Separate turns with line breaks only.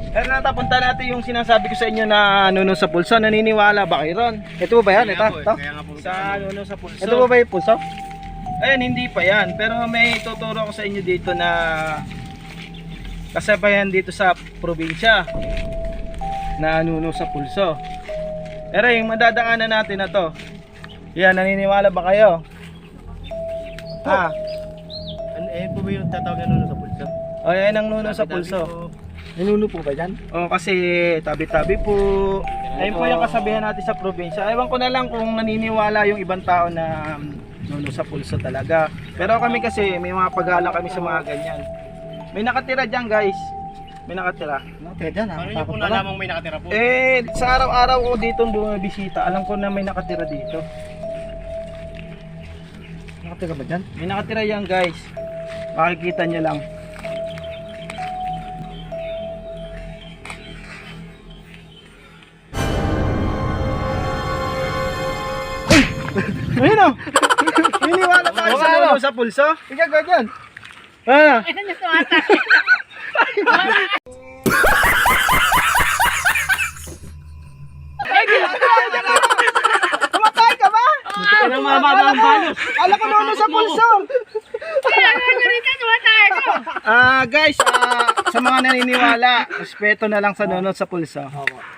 Pero natapunta natin yung sinasabi ko sa inyo na nuno sa pulso. Naniniwala ba kayo ron? Ito ba yan? Ito? Sa nuno sa pulso.
Ito ba yung pulso?
Ayun, hindi pa yan. Pero may tuturo ko sa inyo dito na kasabayan dito sa probinsya na nuno sa pulso. Pero yung madadaanan natin na to, yan, naniniwala ba kayo? Ha?
Ano po ba yung tatawag na nuno sa pulso?
O yan ang nuno sa pulso.
Nanuno po ba yan?
O kasi tabi-tabi po. Ayun po yung kasabihan natin sa probinsya. Ewan ko na lang kung naniniwala yung ibang tao na nuno sa pulso talaga. Pero kami kasi may mga paggalang kami sa mga ganyan. May nakatira dyan guys. May nakatira.
Nakatira dyan,
Paano nyo po nalamang may nakatira po?
Sa araw-araw ko dito bumibisita. Alam ko na may nakatira dito.
Nakatira ba dyan?
May nakatira yan guys. Makikita nyo lang. Ayun o. Niniwala tayo sa nuno sa pulso.
Ikaw ka dyan!
Ah.
Ito niya tumata.
Tumatay ka ba?
Ito na mamata ang balos.
Alam ko nuno sa pulso.
Kaya ano rin ka tumata ako.
Guys, sa mga naniniwala, respeto na lang sa nuno sa pulso.